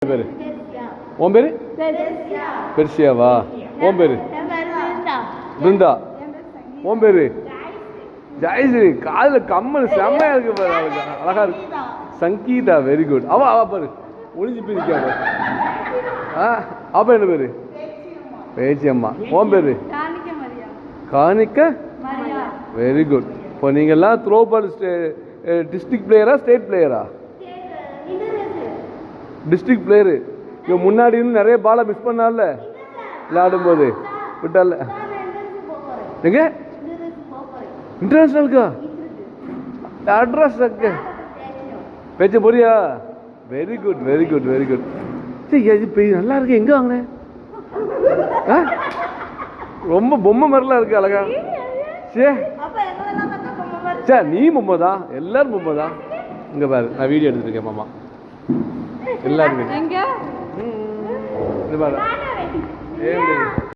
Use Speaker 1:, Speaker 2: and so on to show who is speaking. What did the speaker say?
Speaker 1: பேர்? உன் பேர்? பெர்சியாவா? உன் பேர்? பிருந்தா. உன் பேர்? ஜெயஸ்ரீ. காலில் கம்மல் செம்மையா இருக்கு பாரு, அவளுக்கு அழகா இருக்கு. Sangeetha, very good. அவ பாரு ஒளிஞ்சு பிரிக்கா. அப்ப என்ன பேரு? பேச்சியம்மா. உன் பேரு? காணிக்க. Very good. இப்போ நீங்கள்லாம் த்ரோ பால் டிஸ்ட்ரிக்ட் பிளேயரா ஸ்டேட் பிளேயரா? District player. இவன் முன்னாடி இருந்து நிறைய பாலை மிஸ் பண்ணால விளையாடும்போது விட்டால. எங்க இன்டர்நேஷனலுக்கா? அட்ரஸ் பேச்ச போறியா? Very good very good very good. சரி இது நல்லா இருக்கு. எங்க வாங்கினேன்? ரொம்ப பொம்மை மாதிரிலாம் இருக்கு, அழகா. சரி நீ பொம்மை தான், எல்லாரும் பொம்மை தான். இங்க பாரு, நான் வீடியோ எடுத்துட்டு இருக்கேன் மாமா. எல்லாரும் பாரு.